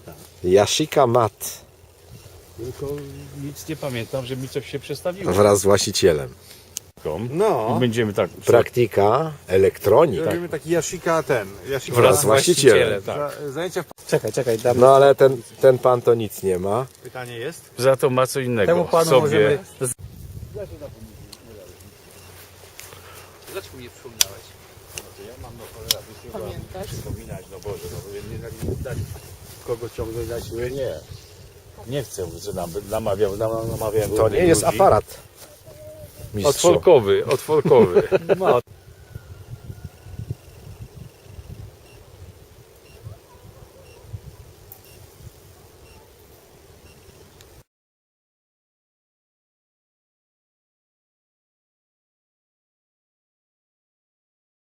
Yashica Mat Tylko nic nie pamiętam, że mi coś się przestawiło. wraz z właścicielem. No. I będziemy tak. Praktyka elektronik Robimy taki Yashica Yashica wraz z właścicielem. Tak. Zajęcia Czekaj, dam. No ale ten pan to nic nie ma. pytanie jest. Za to ma co innego. Temu panu sobie. możemy. Dlaczego nie przypominałeś? Pamiętasz? Przypominać, no Boże, no nie dać kogo ciągnąć na siłę, nie. Nie chcę, że namawiam To nie jest aparat. Mistrzu. Otworkowy. Ma